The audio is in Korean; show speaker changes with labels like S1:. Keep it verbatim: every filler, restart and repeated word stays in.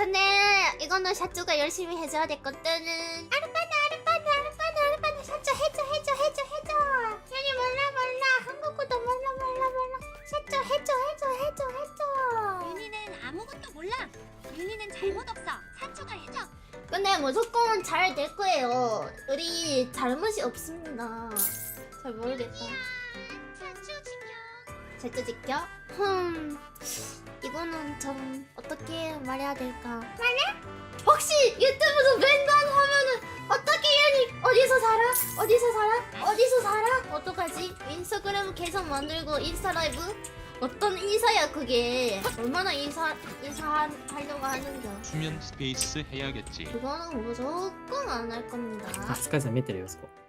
S1: 근데 이거는 샤쭈가 열심히 해줘야 됐거든. 아르빠나 아르빠나 아르빠나 아르빠나 샤쭈 해줘 해줘 해줘 해줘. 괜히 몰라 몰라 한국어도 몰라 몰라 몰라. 샤쭈 해줘 해줘 해줘 해줘.
S2: 윤희는 아무것도 몰라. 윤희는 잘못 없어. 샤쭈가 해줘.
S1: 근데 무조건 잘 될 거예요. 우리 잘못이 없습니다. 잘 모르겠다.
S2: 샤쭈 지켜.
S1: 샤쭈 지켜? 흠 이거는 좀 어떻게 말해야 될까? 말해? 혹시 유튜브도 맹간 하면은 어떻게 얘니 어디서 살아? 어디서 살아? 어디서 살아? 어떡하지? 인스타그램 계속 만들고 인스타 라이브? 어떤 인사야 그게? 얼마나 인사 인사하려고 하는겨?
S3: 수면 스페이스 해야겠지.
S1: 그거는 무조건 안 할 겁니다.
S4: あ、スカイさん見てるよそこ